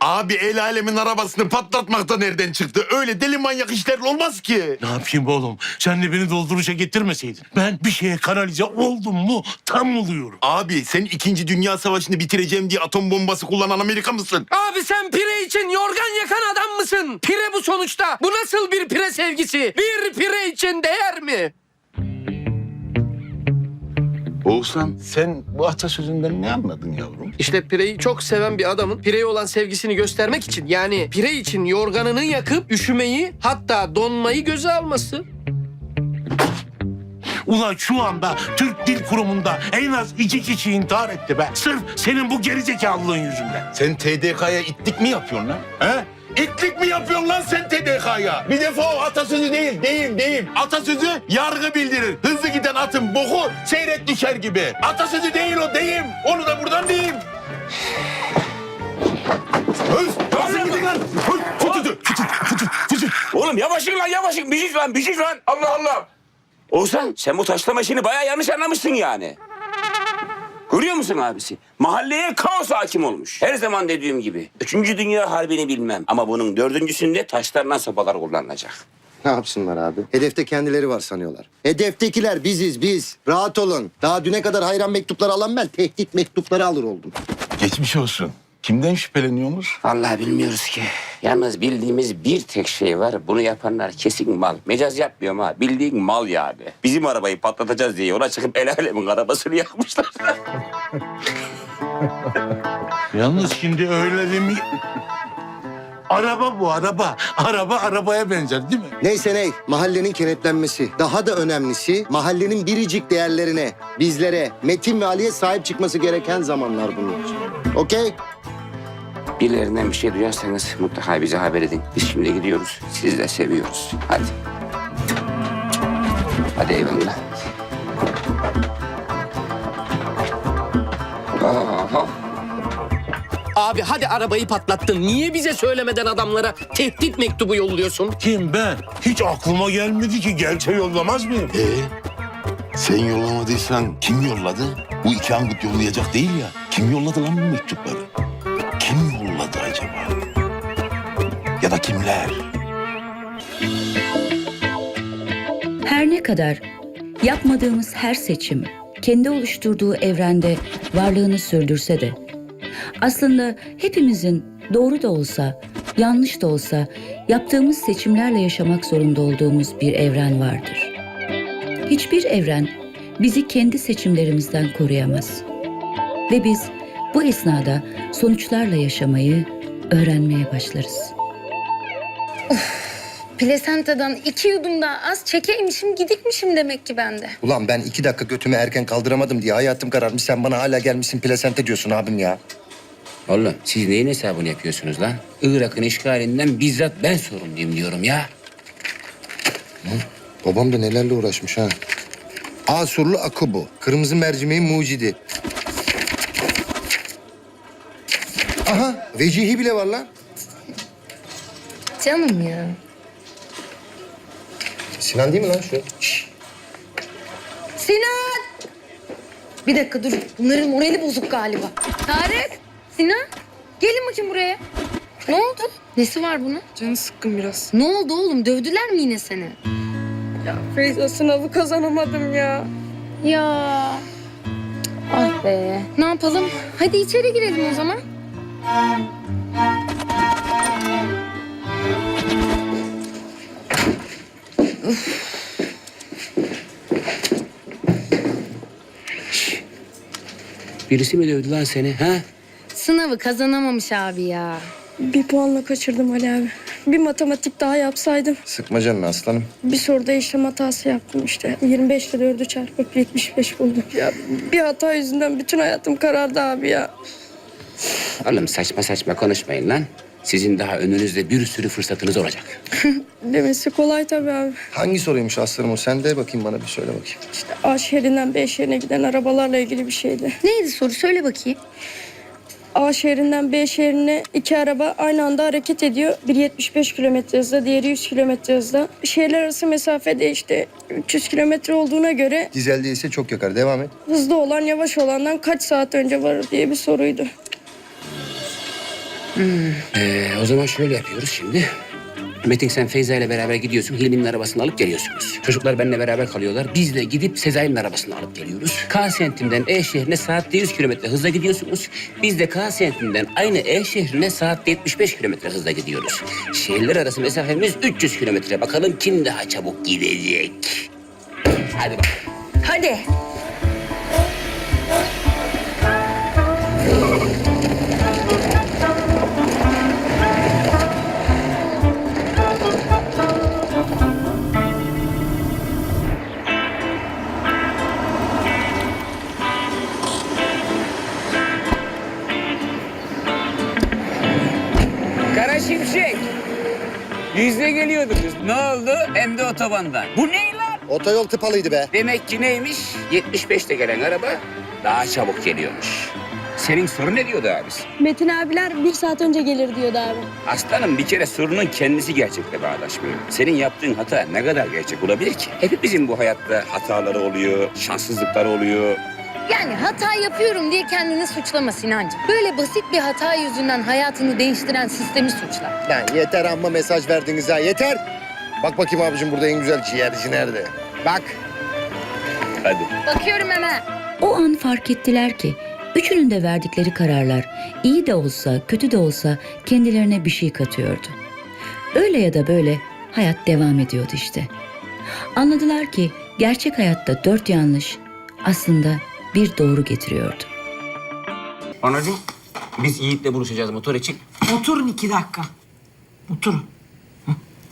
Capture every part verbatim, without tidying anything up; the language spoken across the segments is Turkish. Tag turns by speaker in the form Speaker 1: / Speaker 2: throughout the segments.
Speaker 1: Abi el alemin arabasını patlatmak da nereden çıktı? Öyle deli manyak işler olmaz ki.
Speaker 2: Ne yapayım oğlum? Sen de beni dolduruşa getirmeseydin. Ben bir şeye kanalize oldum mu tam oluyorum.
Speaker 1: Abi sen İkinci Dünya Savaşı'nı bitireceğim diye atom bombası kullanan Amerika mısın?
Speaker 3: Abi sen pire için yorgan yakan adam mısın? Pire bu sonuçta. Bu nasıl bir pire sevgisi? Bir pire için değer mi?
Speaker 1: Oğuzhan sen bu atasözünden ne anladın yavrum?
Speaker 3: İşte pireyi çok seven bir adamın pireye olan sevgisini göstermek için, yani pire için yorganını yakıp üşümeyi, hatta donmayı göze alması.
Speaker 2: Ulan şu anda Türk Dil Kurumu'nda en az iki kişi intihar etti be. Sırf senin bu gerizekalılığın yüzünden.
Speaker 1: Sen T D K'ya itlik mi yapıyorsun lan? He? İtlik mi yapıyorsun lan sen T D K'ya? Bir defa o atasözü değil, deyim, deyim. Atasözü yargı bildirir. Hızlı giden atın boku seyrek düşer gibi. Atasözü değil o, deyim. Onu da buradan diyeyim. Hız, nasıl gidin lan? Hız, fıtıdı, fıtıdı, fıtıdı, fıtıdı.
Speaker 4: Oğlum yavaşın lan yavaşın. Bir şey lan bir şey lan. Allah Allah. Oğuzhan sen bu taşlama işini bayağı yanlış anlamışsın yani. Görüyor musun abisi? Mahalleye kaos hakim olmuş. Her zaman dediğim gibi. Üçüncü Dünya Harbi'ni bilmem. Ama bunun dördüncüsünde taşlarla sopalar kullanılacak.
Speaker 5: Ne yapsınlar abi? Hedefte kendileri var sanıyorlar. Hedeftekiler biziz biz. Rahat olun. Daha düne kadar hayran mektupları alan ben tehdit mektupları alır oldum.
Speaker 1: Geçmiş olsun. Kimden şüpheleniyorsunuz?
Speaker 4: Vallahi bilmiyoruz ki. Yalnız bildiğimiz bir tek şey var. Bunu yapanlar kesin mal. Mecaz yapmıyorum ha. Bildiğin mal yani. Bizim arabayı patlatacağız diye yola çıkıp el alemin arabasını yakmışlar.
Speaker 2: Yalnız şimdi öyle demi... Araba bu araba. Araba arabaya benzer değil mi?
Speaker 5: Neyse ney, mahallenin kenetlenmesi. Daha da önemlisi mahallenin biricik değerlerine, bizlere, Metin ve Ali'ye sahip çıkması gereken zamanlar bunlar. Okey?
Speaker 4: Birilerinden bir şey duyarsanız mutlaka bize haber edin. Biz şimdi gidiyoruz. Sizi de seviyoruz. Hadi. Hadi eyvallah. Aha.
Speaker 3: Abi hadi arabayı patlattın. Niye bize söylemeden adamlara tehdit mektubu yolluyorsun?
Speaker 2: Kim ben? Hiç aklıma gelmedi ki. Gelse yollamaz mıyım?
Speaker 1: Ee, sen yollamadıysan kim yolladı? Bu iki angut yollayacak değil ya. Kim yolladı lan bu mektupları? Kim yolladı acaba? Ya da kimler?
Speaker 6: Her ne kadar yapmadığımız her seçim kendi oluşturduğu evrende varlığını sürdürse de aslında hepimizin doğru da olsa, yanlış da olsa yaptığımız seçimlerle yaşamak zorunda olduğumuz bir evren vardır. Hiçbir evren bizi kendi seçimlerimizden koruyamaz. Ve biz bu esnada sonuçlarla yaşamayı öğrenmeye başlarız.
Speaker 7: Plasentadan iki yudum daha az çekeymişim, gidikmişim demek ki bende.
Speaker 5: Ulan ben iki dakika götümü erken kaldıramadım diye hayatım kararmış. Sen bana hala gelmişsin plasente diyorsun abim ya.
Speaker 4: Oğlum siz neyin hesabını yapıyorsunuz lan? Irak'ın işgalinden bizzat ben sorumluyum diyorum ya.
Speaker 5: Babam da nelerle uğraşmış ha. Asurlu Akubu, kırmızı mercimeğin mucidi. Aha, vecihi bile var lan.
Speaker 7: Canım ya.
Speaker 5: Sinan değil mi lan şu? Şşş.
Speaker 7: Sinan! Bir dakika dur. Bunların morali bozuk galiba. Tarık! Sinan! Gelin bakayım buraya. Ne oldu? Nesi var bunun?
Speaker 8: Canı sıkkın biraz.
Speaker 7: Ne oldu oğlum? Dövdüler mi yine seni?
Speaker 8: Ya Feyza sınavı kazanamadım ya.
Speaker 7: Ya. Ah be. Ne yapalım? Hadi içeri girelim o zaman.
Speaker 4: Birisi mi dövdü lan seni ha?
Speaker 7: Sınavı kazanamamış abi ya.
Speaker 8: Bir puanla kaçırdım Ali abi. Bir matematik daha yapsaydım.
Speaker 5: Sıkma canını aslanım.
Speaker 8: Bir soruda işlem hatası yaptım işte. yirmi beş ile dördü çarpıp yetmiş beş buldum. Ya bir hata yüzünden bütün hayatım karardı abi ya.
Speaker 4: Oğlum saçma saçma konuşmayın lan. Sizin daha önünüzde bir sürü fırsatınız olacak.
Speaker 8: Demesi kolay tabii abi.
Speaker 5: Hangi soruymuş aslanım o? Sen de bakayım bana bir söyle bakayım.
Speaker 8: İşte A şehrinden B şehrine giden arabalarla ilgili bir şeydi.
Speaker 7: Neydi soru? Söyle bakayım.
Speaker 8: A şehrinden B şehrine iki araba aynı anda hareket ediyor. Biri yetmiş beş kilometre hızla, diğeri yüz kilometre hızla. Şehirler arası mesafede işte üç yüz kilometre olduğuna göre
Speaker 5: Dizel değilse çok yakar. Devam et.
Speaker 8: hızlı olan yavaş olandan kaç saat önce varır diye bir soruydu.
Speaker 4: Ee, o zaman şöyle yapıyoruz şimdi. Metin sen Feyza ile beraber gidiyorsun. Hilmi'nin arabasını alıp geliyorsunuz. Çocuklar benimle beraber kalıyorlar. Biz de gidip Sezai'nin arabasını alıp geliyoruz. K semtinden E şehrine saatte yüz kilometre hızla gidiyorsunuz. Biz de K semtinden aynı E şehrine saatte yetmiş beş kilometre hızla gidiyoruz. Şehirler arası mesafemiz üç yüz kilometre. Bakalım kim daha çabuk gidecek? Hadi bak.
Speaker 7: Hadi.
Speaker 4: Kara Şimşek. Yüzde geliyordunuz. Ne oldu? Hem de otobandan. Bu ne lan?
Speaker 5: Otoyol tıpalıydı be.
Speaker 4: Demek ki neymiş? yetmiş beşte gelen araba daha çabuk geliyormuş. Senin sorun ne diyordu abisi?
Speaker 8: Metin abiler bir saat önce gelir diyordu abi.
Speaker 4: Aslanım bir kere sorunun kendisi gerçekle bağdaşmıyor. Senin yaptığın hata ne kadar gerçek olabilir ki? Hepimizin bu hayatta hataları oluyor, şanssızlıkları oluyor.
Speaker 7: Yani hata yapıyorum diye kendini suçlama Sinancığım. Böyle basit bir hata yüzünden hayatını değiştiren sistemi suçla.
Speaker 5: Lan yeter amma mesaj verdiniz ha yeter. Bak bakayım abicim burada en güzel ciğerci nerede? Bak.
Speaker 4: Hadi.
Speaker 7: Bakıyorum hemen.
Speaker 6: O an fark ettiler ki üçünün de verdikleri kararlar iyi de olsa kötü de olsa kendilerine bir şey katıyordu. Öyle ya da böyle hayat devam ediyordu işte. Anladılar ki gerçek hayatta dört yanlış aslında bir doğru getiriyordu.
Speaker 4: Anacığım biz Yiğit'le buluşacağız motor için.
Speaker 9: Oturun iki dakika. Oturun. Hı.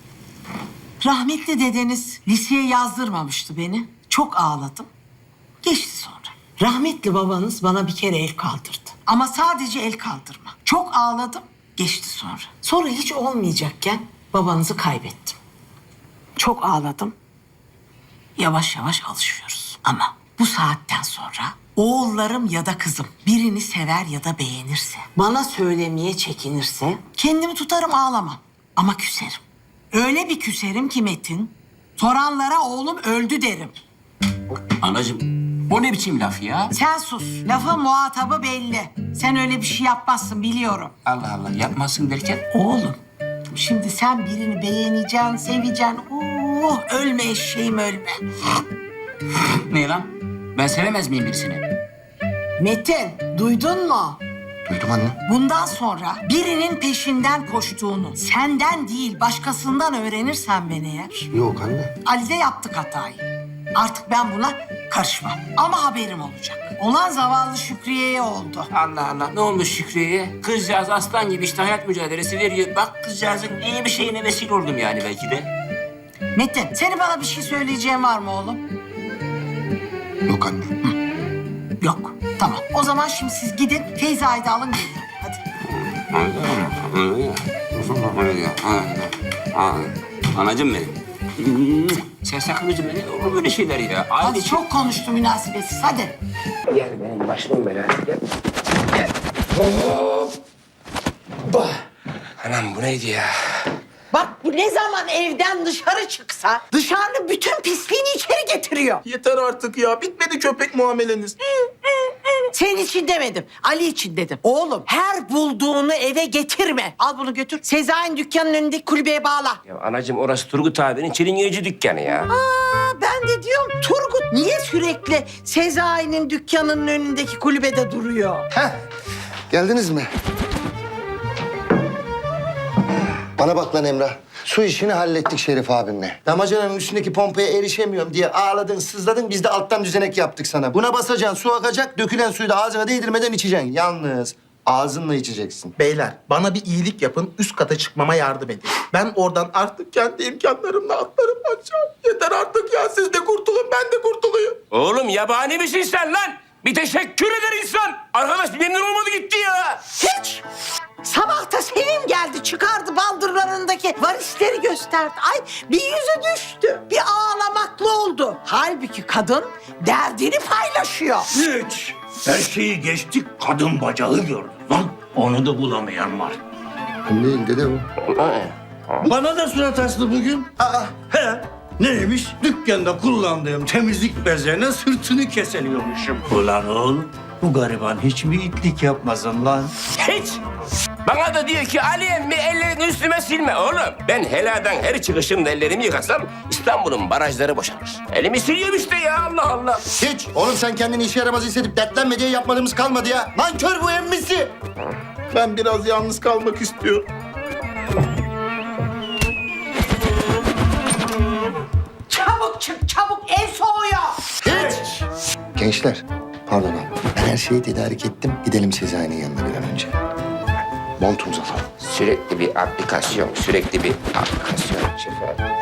Speaker 9: Rahmetli dedeniz liseye yazdırmamıştı beni. Çok ağladım. Geçti sonra. Rahmetli babanız bana bir kere el kaldırdı. Ama sadece el kaldırma. Çok ağladım. Geçti sonra. Sonra hiç olmayacakken babanızı kaybettim. Çok ağladım. Yavaş yavaş alışıyoruz. Ama bu saatten sonra oğullarım ya da kızım birini sever ya da beğenirse, bana söylemeye çekinirse kendimi tutarım ağlamam. Ama küserim. Öyle bir küserim ki Metin, soranlara oğlum öldü derim.
Speaker 4: Anacığım o ne biçim laf ya?
Speaker 9: Sen sus. Lafın muhatabı belli. Sen öyle bir şey yapmazsın biliyorum.
Speaker 4: Allah Allah yapmasın derken?
Speaker 9: Oğlum, şimdi sen birini beğeneceksin, seveceksin. Oh, ölme eşeğim ölme.
Speaker 4: Ne lan? Ben sevemez miyim birisini?
Speaker 9: Metin, duydun mu?
Speaker 5: Duydum anne.
Speaker 9: Bundan sonra birinin peşinden koştuğunu senden değil başkasından öğrenirsen beni eğer.
Speaker 5: Yok anne.
Speaker 9: Ali'de yaptık hatayı. Artık ben buna karışmam. Ama haberim olacak. Olan zavallı Şükriye'ye oldu.
Speaker 4: Allah Allah ne olmuş Şükrü'ye? Kızcağız aslan gibi işte hayat mücadelesi veriyor. Bak kızcağızın iyi bir şeyine vesile oldum yani belki de.
Speaker 9: Metin, senin bana bir şey söyleyeceğin var mı oğlum?
Speaker 5: Yok anne.
Speaker 9: Yok. Tamam. O zaman şimdi siz gidin Feyza'yı da alın gelin. Hadi.
Speaker 4: Anacığım benim. Sen sakın üzülme. Ne olur böyle şeyler ya.
Speaker 9: Hadi çok konuştu münasebetsiz. Hadi.
Speaker 4: Gel benim başımın belası. Gel. Gel. Hoppa. Anam bu neydi ya?
Speaker 9: Bak bu ne zaman evden dışarı çıksa dışarının bütün pisliğini içeri getiriyor.
Speaker 10: Yeter artık ya. Bitmedi köpek muameleniz.
Speaker 9: Senin için demedim. Ali için dedim. Oğlum her bulduğunu eve getirme. Al bunu götür. Sezai'nin dükkanının önündeki kulübeye bağla.
Speaker 4: Ya anacığım orası Turgut abinin çilingirci dükkanı ya.
Speaker 9: Aa, ben de diyorum Turgut niye sürekli Sezai'nin dükkanının önündeki kulübede duruyor?
Speaker 5: Heh. Geldiniz mi? Bana bak lan Emrah. Su işini hallettik Şerif abimle. Damacananın üstündeki pompaya erişemiyorum diye ağladın, sızladın. Biz de alttan düzenek yaptık sana. Buna basacaksın, su akacak. Dökülen suyu da ağzına değdirmeden içeceksin. Yalnız ağzınla içeceksin.
Speaker 10: Beyler bana bir iyilik yapın. Üst kata çıkmama yardım edin. Ben oradan artık kendi imkanlarımla atlarım aşağı. Yeter artık ya. Siz de kurtulun ben de kurtulayım.
Speaker 4: Oğlum yabani misin sen lan? Bir teşekkür eder insan. Arkadaş memnun olmadı gitti ya.
Speaker 9: Hiç. Sabah da Sevim geldi çıkardı baldırlarındaki varisleri gösterdi. Ay bir yüzü düştü. Bir ağlamaklı oldu. Halbuki kadın derdini paylaşıyor.
Speaker 2: Hiç. Her şeyi geçtik kadın bacağı gördüm lan. Onu da bulamayan var.
Speaker 5: Değil dede o.
Speaker 2: Bana da surat astı bugün. Aa, he. Neymiş? Dükkanda kullandığım temizlik bezlerine sırtını keseliyormuşum. Ulan oğlum, Bu gariban hiç mi itlik yapmasın lan?
Speaker 4: Hiç. Bana da diyor ki Ali emmi ellerini üstüme silme oğlum. Ben heladan her çıkışımda ellerimi yıkasam İstanbul'un barajları boşalır. Elimi siliyorum işte ya Allah Allah.
Speaker 5: Hiç. Oğlum sen kendini işe yaramaz hissedip dertlenme diye yapmadığımız kalmadı ya. Nankör bu emmisi.
Speaker 10: Ben biraz yalnız kalmak istiyorum.
Speaker 9: Çabuk çık çabuk ev soğuyor.
Speaker 5: Hiç. Gençler, pardon abi. Ben her şeyi tedarik ettim. Gidelim Sezai'nin yanına bir an önce. Montumuzu alalım.
Speaker 4: Sürekli bir aplikasyon, sürekli bir aplikasyon şefer.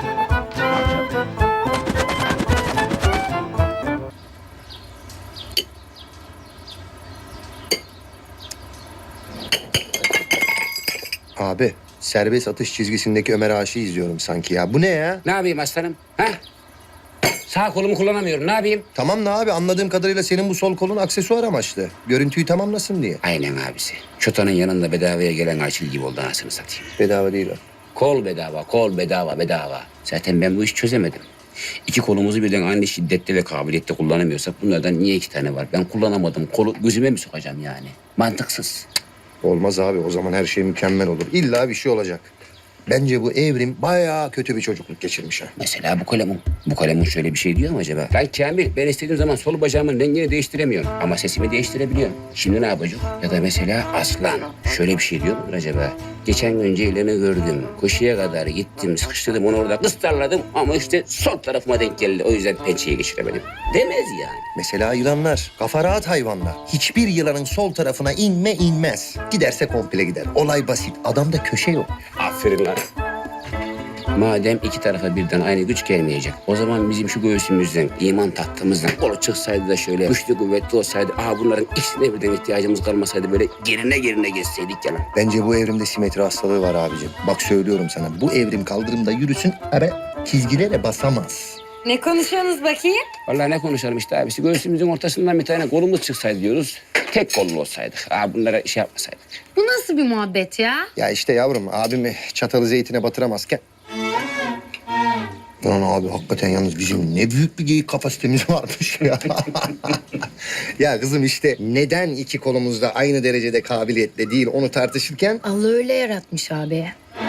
Speaker 5: Abi, serbest atış çizgisindeki Ömer Aşık'ı izliyorum sanki ya. Bu ne ya?
Speaker 4: Ne yapayım aslanım? Ha? Sağ kolumu kullanamıyorum. Ne yapayım?
Speaker 5: Tamam da abi anladığım kadarıyla senin bu sol kolun aksesuar amaçlı. Görüntüyü tamamlasın diye.
Speaker 4: Aynen abisi. Çotanın yanında bedavaya gelen Ayçil gibi oldu anasını satayım.
Speaker 5: Bedava değil o.
Speaker 4: Kol bedava, kol bedava, bedava. Zaten ben bu işi çözemedim. İki kolumuzu birden aynı şiddette ve kabiliyette kullanamıyorsak bunlardan niye iki tane var? Ben kullanamadım. Kolu gözüme mi sokacağım yani? Mantıksız.
Speaker 5: Olmaz abi. O zaman her şey mükemmel olur. İlla bir şey olacak. Bence bu Evrim bayağı kötü bir çocukluk geçirmiş ha.
Speaker 4: Mesela bu kalemun. Bu kalemun şöyle bir şey diyor mu acaba? Lan Kamil, ben istediğim zaman sol bacağımın rengini değiştiremiyorum. Ama sesimi değiştirebiliyorum. Şimdi ne yapacağım? Ya da mesela Aslan. Şöyle bir şey diyor mudur acaba? Geçen gün Ceylan'ı gördüm. Koşuya kadar gittim, sıkıştırdım onu orada kıstarladım. Ama işte sol tarafıma denk geldi. O yüzden pençeyi geçiremedim. Demez yani.
Speaker 5: Mesela yılanlar. Kafa rahat hayvanlar. Hiçbir yılanın sol tarafına inme inmez. Giderse komple gider. Olay basit. Adamda köşe yok.
Speaker 4: Aferin lan. Madem iki tarafa birden aynı güç gelmeyecek, o zaman bizim şu göğsümüzden, iman tahtımızdan kolu çıksaydı da şöyle güçlü kuvvetli olsaydı, aha bunların ikisine birden ihtiyacımız kalmasaydı böyle gerine gerine geçseydik ya lan.
Speaker 5: Bence bu evrimde simetri hastalığı var abicim. Bak söylüyorum sana. Bu evrim kaldırımda yürüsün ama çizgilere basamaz.
Speaker 7: Ne konuşuyorsunuz bakayım?
Speaker 4: Vallahi ne konuşalım işte abisi, göğsümüzün ortasından bir tane kolumuz çıksaydı diyoruz. Tek kollu olsaydık, aha bunlara şey yapmasaydık.
Speaker 7: Bu nasıl bir muhabbet ya?
Speaker 5: Ya işte yavrum abimi çatalı zeytine batıramazken... Lan abi hakikaten yalnız bizim ne büyük bir geyik kapasitemiz varmış ya. Ya kızım işte neden iki kolumuz da aynı derecede kabiliyetle değil onu tartışırken...
Speaker 7: Allah öyle yaratmış abi.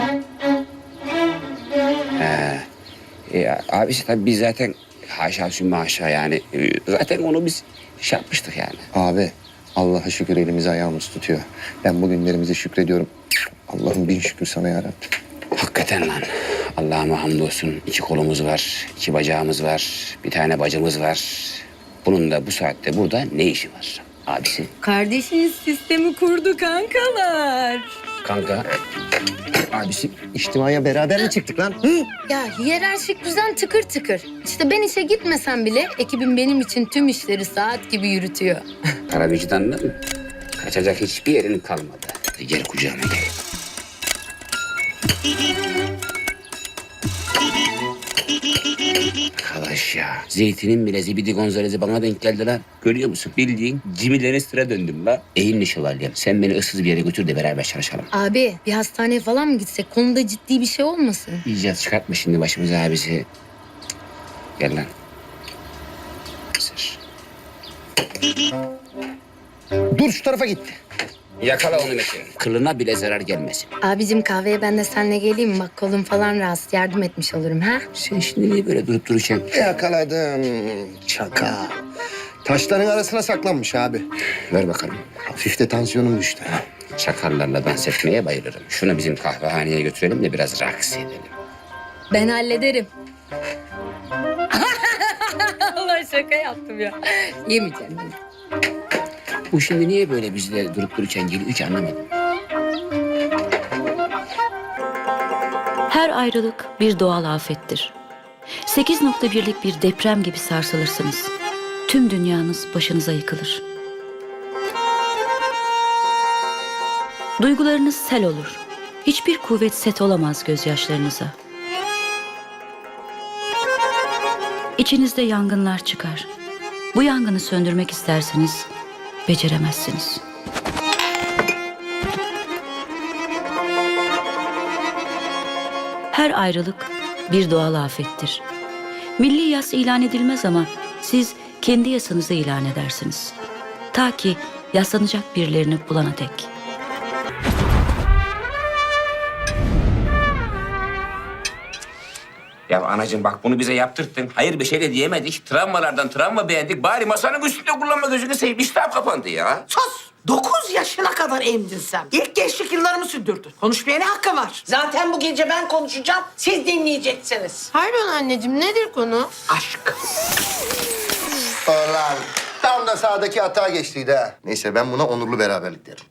Speaker 4: E, abisi tabii biz zaten haşa sümme haşa yani e, zaten onu biz şey yapmıştık yani.
Speaker 5: Abi Allah'a şükür elimiz ayağımız tutuyor. Ben bugünlerimize şükrediyorum. Allah'ım bin şükür sana yarabbim.
Speaker 4: Hakikaten lan. Allah'ıma hamdolsun. İki kolumuz var, iki bacağımız var, bir tane bacımız var. Bunun da bu saatte burada ne işi var abisi?
Speaker 7: Kardeşiniz sistemi kurdu kankalar.
Speaker 4: Kanka, abisi.
Speaker 5: İçtimaya beraber mi çıktık lan? Hı?
Speaker 7: Ya hiyerarşik düzen tıkır tıkır. İşte ben işe gitmesem bile ekibim benim için tüm işleri saat gibi yürütüyor.
Speaker 4: Para vicdandan mı? Kaçacak hiçbir yerin kalmadı. Hadi gel kucağıma gel. Arkadaş ya. Zeytinin bile zibidi gonzalezi bana denk geldi lan. Görüyor musun? Bildiğin Jimmy Lannister'a döndüm lan. Eğilin şövalyem. Sen beni ıssız bir yere götür de beraber çalışalım.
Speaker 7: Abi bir hastaneye falan mı gitsek? Konuda ciddi bir şey olmasın?
Speaker 4: İcat çıkartma şimdi başımıza abisi. Gel lan. Sır.
Speaker 5: Dur şu tarafa gitti.
Speaker 4: Yakala onu Metin. Kılına bile zarar gelmesin.
Speaker 7: Abicim kahveye ben de seninle geleyim mi? Bak kolum falan rahatsız. Yardım etmiş olurum ha?
Speaker 4: Sen şimdi niye böyle durup duracaksın?
Speaker 5: Yakaladım. Çaka. Taşların arasına saklanmış abi.
Speaker 4: Ver bakalım.
Speaker 5: Hafif de tansiyonum düştü.
Speaker 4: Çakallarla dans etmeye bayılırım. Şunu bizim kahvehaneye götürelim de biraz raks edelim.
Speaker 7: Ben hallederim. Allah şaka yaptım ya. Yemeyeceğim.
Speaker 4: Bu şimdi niye böyle bizle durup dururken geliyor hiç anlamadım.
Speaker 6: Her ayrılık bir doğal afettir. sekiz nokta birlik bir deprem gibi sarsılırsınız. Tüm dünyanız başınıza yıkılır. Duygularınız sel olur. Hiçbir kuvvet set olamaz gözyaşlarınıza. İçinizde yangınlar çıkar. Bu yangını söndürmek isterseniz beceremezsiniz. Her ayrılık bir doğal afettir. Milli yas ilan edilmez ama siz kendi yasanızı ilan edersiniz. Ta ki yaslanacak birilerini bulana dek.
Speaker 4: Ya anacığım bak bunu bize yaptırttın. Hayır bir şey de diyemedik. Travmalardan travma beğendik. Bari masanın üstünde kullanma gözünü seveyim. İştah kapandı ya.
Speaker 9: Sus! Dokuz yaşına kadar emdin sen. İlk gençlik yıllarımı sürdürdün. Konuşmaya ne hakkı var? Zaten bu gece ben konuşacağım, siz dinleyeceksiniz.
Speaker 7: Pardon anneciğim nedir konu?
Speaker 9: Aşk.
Speaker 5: Ulan tam da sağdaki hata geçtiydi ha. Neyse ben buna onurlu beraberlik derim.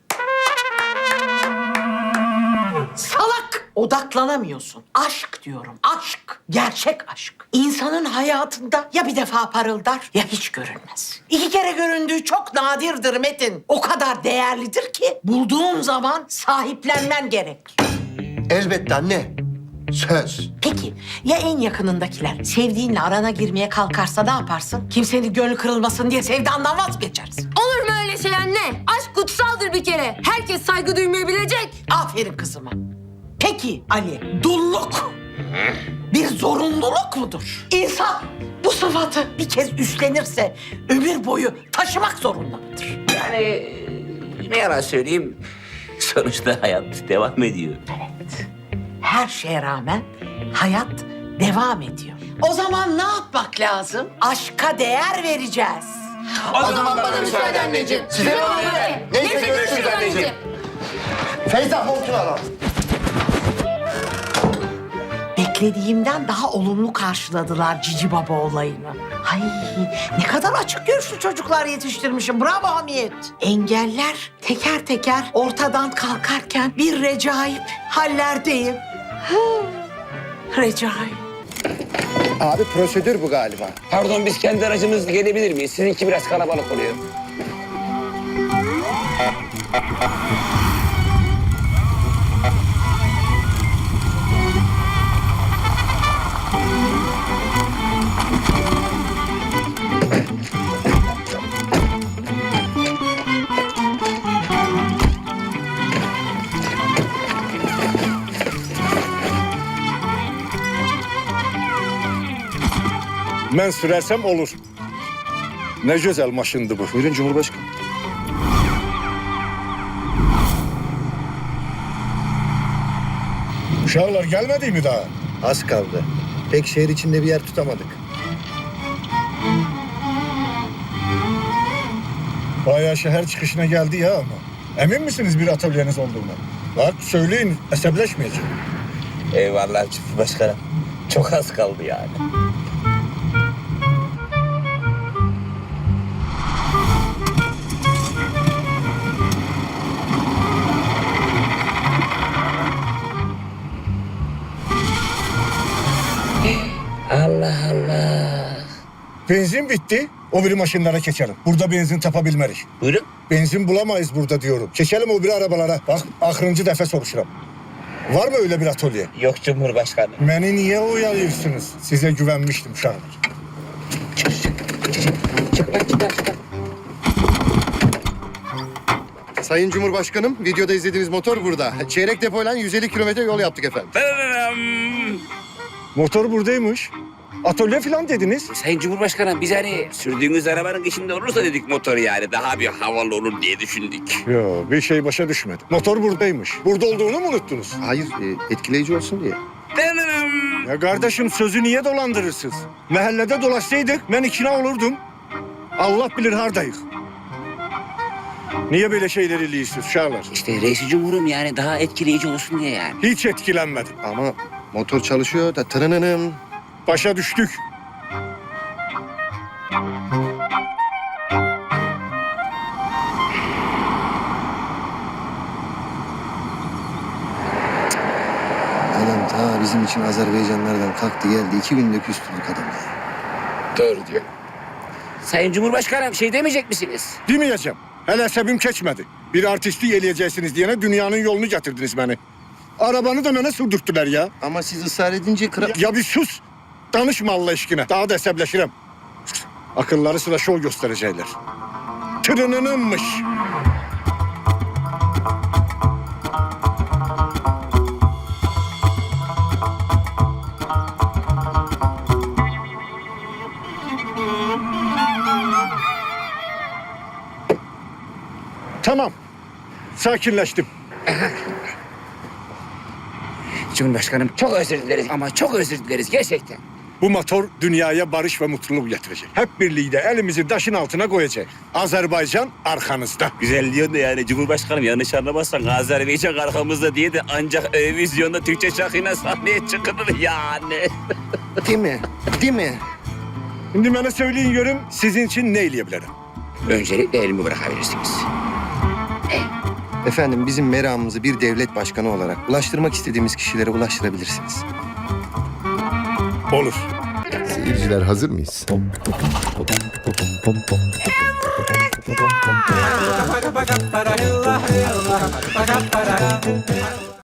Speaker 9: Salak! Odaklanamıyorsun. Aşk diyorum, aşk. Gerçek aşk. İnsanın hayatında ya bir defa parıldar ya hiç görünmez. İki kere göründüğü çok nadirdir Metin. O kadar değerlidir ki bulduğun zaman sahiplenmen gerek.
Speaker 5: Elbette anne. Söz.
Speaker 9: Peki ya en yakınındakiler sevdiğinle arana girmeye kalkarsa ne yaparsın? Kimsenin gönlü kırılmasın diye sevdandan vazgeçersin.
Speaker 7: Olur mu öyle şey anne? Aşk kutsaldır bir kere. Herkes saygı duymayı bilecek.
Speaker 9: Aferin kızıma. Peki Ali, dulluk bir zorunluluk mudur? İnsan bu sıfatı bir kez üstlenirse ömür boyu taşımak zorunda mıdır?
Speaker 4: Yani ne yalan söyleyeyim. Sonuçta hayat devam ediyor.
Speaker 9: Evet. Her şeye rağmen hayat devam ediyor. O zaman ne yapmak lazım? Aşka değer vereceğiz.
Speaker 5: O, zaman bana müsaade anneciğim. Size ne oluyor? Neyse görüşürüz anneciğim. Feyza montunu al.
Speaker 9: Beklediğimden daha olumlu karşıladılar Cici Baba olayını. Ay ne kadar açık görüşlü çocuklar yetiştirmişim. Bravo Hamiyet. Engeller teker teker ortadan kalkarken bir recaip hallerdeyim. Hı, recaip.
Speaker 5: Abi prosedür bu galiba.
Speaker 4: Pardon biz kendi aracımızla gelebilir miyiz? Sizinki biraz kalabalık oluyor.
Speaker 11: Ben sürersem olur. Ne güzel maşındı bu. Buyurun Cumhurbaşkanım. Uşağlar gelmedi mi daha?
Speaker 5: Az kaldı. Pek şehir içinde bir yer tutamadık.
Speaker 11: Bayağı şehir çıkışına geldi ya ama. Emin misiniz bir atölyeniz olduğuna? Bak söyleyin, hesapleşmeyecek.
Speaker 4: Eyvallah Cumhurbaşkanım. Çok az kaldı yani. Allah Allah.
Speaker 11: Benzin bitti. O biri maşınlara geçelim. Burada benzin tapabilmerik.
Speaker 4: Buyurun.
Speaker 11: Benzin bulamayız burada diyorum. Geçelim o biri arabalara. Bak ahırıncı defa soruşuram. Var mı öyle bir atölye?
Speaker 4: Yok Cumhurbaşkanım.
Speaker 11: Beni niye oyalıyorsunuz? Size güvenmiştim uşağlar.
Speaker 5: Sayın Cumhurbaşkanım, videoda izlediğiniz motor burada. Çeyrek depoyla yüz elli kilometre yol yaptık efendim.
Speaker 11: Motor buradaymış. Atölye falan dediniz.
Speaker 4: Sayın Cumhurbaşkanım biz hani sürdüğünüz arabanın içinde olursa dedik motor yani daha bir havalı olur diye düşündük.
Speaker 11: Yo, bir şey başa düşmedi. Motor buradaymış. Burada olduğunu mu unuttunuz?
Speaker 5: Hayır, e, etkileyici olsun diye.
Speaker 11: Ya kardeşim sözü niye dolandırırsınız? Mahallede dolaşsaydık ben ikna olurdum. Allah bilir hardayık. Niye böyle şeyleri iliyorsunuz uşağlar?
Speaker 4: İşte reis cumhurum yani daha etkileyici olsun diye yani.
Speaker 11: Hiç etkilenmedim.
Speaker 5: Ama motor çalışıyor da tırınınım.
Speaker 11: Başa düştük.
Speaker 5: Adam ta bizim için Azerbaycanlardan kalktı geldi. İki günde küstürdük adamı.
Speaker 4: Doğru diyor. Sayın Cumhurbaşkanım şey demeyecek misiniz?
Speaker 11: Demeyeceğim. Hele sebim geçmedi. Bir artistliği eleyeceksiniz diyene dünyanın yolunu getirdiniz beni. Arabanı da bana sürdürttüler ya.
Speaker 5: Ama siz ısrar edince kral...
Speaker 11: Ya bir sus. Danışma Allah aşkına. Daha da hesaplaşırım. Akılları sıra şov gösterecekler. Tırınınınmış. sakinleştim.
Speaker 4: Cumhurbaşkanım çok özür dileriz ama çok özür dileriz gerçekten.
Speaker 11: Bu motor dünyaya barış ve mutluluk getirecek. Hep birlikte elimizi taşın altına koyacak. Azerbaycan arkanızda.
Speaker 4: Güzel diyorsun da yani Cumhurbaşkanım yanlış anlamazsan Azerbaycan arkamızda diye de ancak Eurovizyon'da Türkçe şarkıyla sahneye çıkılır yani.
Speaker 5: Değil mi? Değil mi?
Speaker 11: Şimdi bana söyleyin görüm sizin için ne eyleyebilirim?
Speaker 4: Öncelikle elimi bırakabilirsiniz.
Speaker 5: Efendim bizim meramımızı bir devlet başkanı olarak ulaştırmak istediğimiz kişilere ulaştırabilirsiniz.
Speaker 11: Olur.
Speaker 12: Seyirciler hazır mıyız?